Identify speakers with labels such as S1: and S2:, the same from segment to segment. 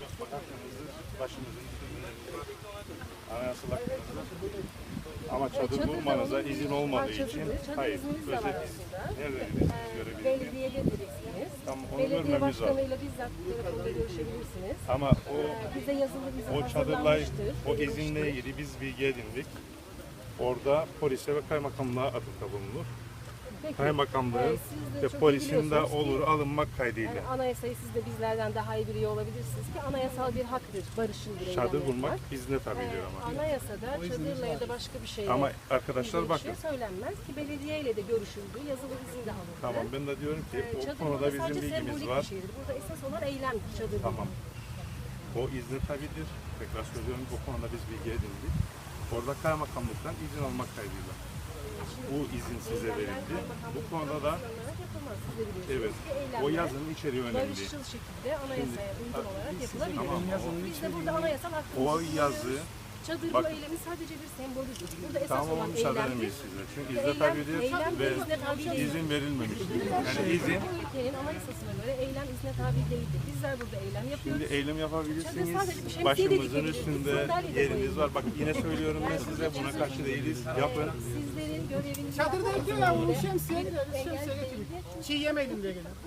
S1: bak hakkınızdır, başımızın üstünde var. Anayasal hakkınızdır. Ama çadır kurmanıza izin olmadığı için, hayır, özel izin. Nerede görebilirsiniz?
S2: Belediyededirksiniz.
S1: Tamam, onu
S2: Belediye
S1: görmemiz lazım.
S2: başkanıyla bizzat telefonda görüşebilirsiniz.
S1: Ama
S2: Bize yazılı bize
S1: o çadırla,
S2: hazırlanmıştır.
S1: o izinle ilgili biz bilgi edindik. Orada polise ve kaymakamlığa atıfta bulunur.
S2: Peki,
S1: Kaymakamlığın
S2: siz de
S1: ve
S2: çok iyi
S1: polisin de
S2: biliyorsunuz ki,
S1: olur alınmak kaydıyla.
S2: yani anayasayı siz de bizlerden daha iyi biliyor olabilirsiniz ki anayasal bir haktır barışçıl bir eylem
S1: Çadır
S2: yapmak.
S1: kurmak izne tabidir ama.
S2: Anayasada çadırla ya da başka bir şeyle
S1: Ama arkadaşlar
S2: ilgili bir
S1: bakın.
S2: şey söylenmez ki belediyeyle de görüşüldü, yazılı izin de alındı.
S1: Tamam, ben de diyorum ki
S2: Çadır
S1: o konuda
S2: burada
S1: bizim
S2: sadece
S1: bilgimiz
S2: sembolik
S1: var.
S2: bir şeydir. Burada esas olan eylemdir çadır.
S1: Tamam. O izne tabidir. Tekrar söylüyorum, bu konuda biz bilgi edindik. Orada kaymakamlıktan izin almak kaydıyla. Bu izin size verildi. Bu konuda da evet, o yazının içeriği önemli.
S2: Barışçıl şekilde anayasaya uygun olarak yapılabilir.
S1: Tamam,
S2: Biz de burada anayasal hakkımızı
S1: o yazı
S2: kullanıyoruz. Çadır
S1: bak,
S2: bu eylemi sadece bir sembolüdür. Burada esas
S1: tamam,
S2: olan
S1: müsaade
S2: eylemdir.
S1: edemeyiz size. Çünkü izne tabidir ve izin verilmemiştir. Yani izin,
S2: Bu ülkenin anayasasına göre eylem izne tabi değildir. Bizler burada eylem yapıyoruz.
S1: şimdi eylem yapabilirsiniz.
S2: Sadece bir şemsiye de
S1: Başımızın
S2: dikebilirsiniz,
S1: üstünde
S2: sandalye de
S1: yeriniz
S2: koyabilirsiniz.
S1: var. Bak yine söylüyorum ben size, buna karşı değiliz. Yapın.
S2: Sizlerin göreviniz
S3: Çadırda yapıyor ya bunu şemsiye getirin. Çiğ yemeyelim diye geliyor.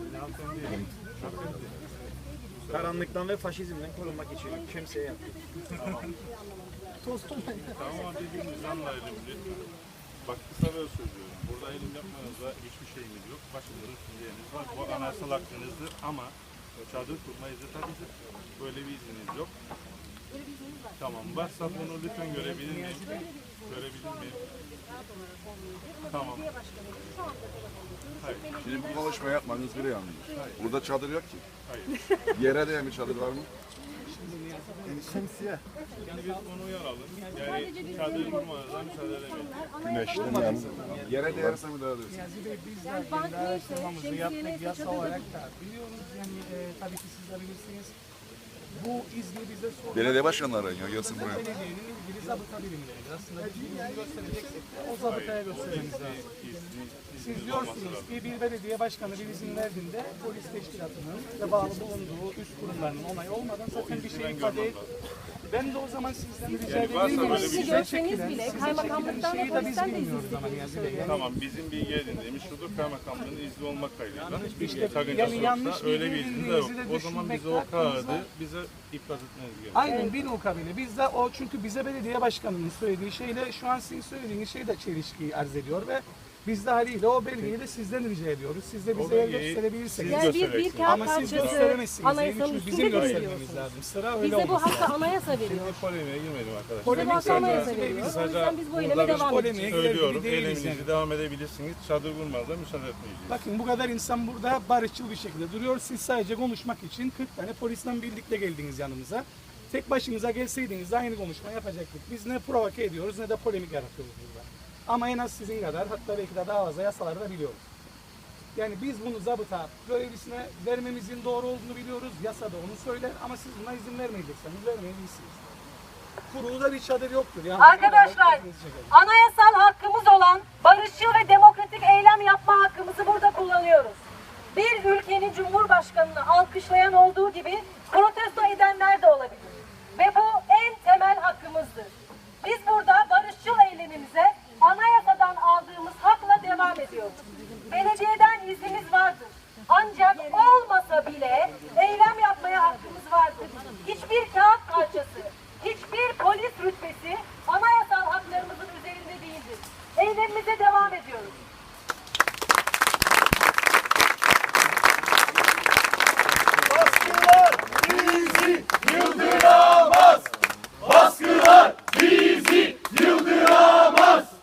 S4: Karanlıktan ve faşizmden korunmak için şemsiye yaptık.
S3: Tostum.
S1: Tamam, birbirimizi anlayalım lütfen. Bak kısa böyle söylüyorum. Burada eylem yapmanızda hiçbir şeyimiz yok. Başımızın üstünde yeriniz var. Bu anayasal hakkınızdır ama çadır kurma izni tabidir. Böyle bir izniniz yok. Tamam, varsa bunu lütfen görebilir miyim? Görebilir miyim? Tamam. Hayır.
S5: Şimdi bu konuşma yapmanız bile yanlış. Burada çadır yok ki.
S1: Hayır.
S5: Yere değen bir çadır var mı?
S3: Şemsiye.
S1: Yani biz onu uyaralım. Yani çadır kurmanıza müsaade edemeyiz.
S5: Güneşten yani. Yere değerse müdahale edersin.
S2: yani bank neyse, şemsiye neyse
S3: Yasa
S2: çadır
S3: olarak da biliyoruz yani tabii ki siz de bilirsiniz. Bu izni bize sorun.
S5: Belediye başkanları arıyor, gelsin buraya.
S3: Belediyenin ilgili zabıta birimleridir. Aslında biz izni göstereceksek de o zabıtaya göstermemiz lazım. Siz diyorsunuz ki bir belediye başkanı bir izin verdiğinde polis teşkilatının ve bağlı bulunduğu üst kurumlarının onayı olmadan zaten bir şey ifade et. Ben de o zaman sizden rica edeyim.
S1: böyle bir şey
S2: görseniz bile kaymakamlıktan ve
S3: şeyi de biz
S2: polisten de
S3: bilmiyoruz
S2: izin
S3: ama yani.
S2: istiyoruz.
S1: Tamam, bizim bilgi edindiğimiz şudur, kaymakamlığın izni olmak kaydıyla. Hiçbir
S3: yani
S1: sakıncası
S3: yanlış
S1: yoksa öyle bir
S3: bilgi
S1: izni de yok.
S3: edindiğinizi de
S1: O zaman biz o
S3: düşünmek
S1: kağıdı
S3: hakkınız
S1: bize iflas etmeniz gerekiyor.
S3: Aynen bir ukabile. Biz de o çünkü bize belediye başkanının söylediği şeyle şu an sizin söylediğiniz şey de çelişkiyi arz ediyor ve biz de haliyle o belgeyi de sizden rica ediyoruz. Siz de bize
S1: belgeyi
S3: gösterebilirseniz.
S1: siz
S2: Yani bir
S1: göstereceksiniz.
S2: kağıt
S3: Ama siz
S2: parçası
S3: gösteremezsiniz.
S2: anayasanın
S3: Çünkü
S2: üstünde
S3: bizim göstermemiz
S2: görüyorsunuz.
S3: lazım. Sıra öyle
S2: Bize bu
S3: olmasın.
S2: hakkı anayasa veriyor.
S1: Şimdi polemiğe girmedim arkadaşlar.
S2: Bize bu hakkı anayasa
S3: Biz
S2: veriyor. O
S1: kısaca
S2: yüzden biz bu eyleme
S1: burada
S2: devam
S3: polemiğe
S2: edeceğiz.
S1: Söylüyorum,
S3: Değiliz
S1: eyleminizi
S3: yani.
S1: devam edebilirsiniz. Çadır kurmanıza müsaade etmeyeceğiz.
S3: Bakın bu kadar insan burada barışçıl bir şekilde duruyor. Siz sadece konuşmak için 40 tane polisten birlikte geldiniz yanımıza. Tek başınıza gelseydiniz de aynı konuşma yapacaktık. Biz ne provoke ediyoruz ne de polemik yaratıyoruz burada. Ama en az sizin kadar hatta belki de daha fazla yasaları da biliyoruz. Yani biz bunu zabıta görevlisine vermemizin doğru olduğunu biliyoruz. Yasa da onu söyler ama siz buna izin vermeyecekseniz vermeyebilirsiniz. Kurulda bir çadır yoktur. Yani
S6: Arkadaşlar, anayasal hakkımız olan barışçıl ve demokratik eylem yapma hakkımızı burada kullanıyoruz. Bir ülkenin cumhurbaşkanını alkışlayan olduğu gibi protesto edenler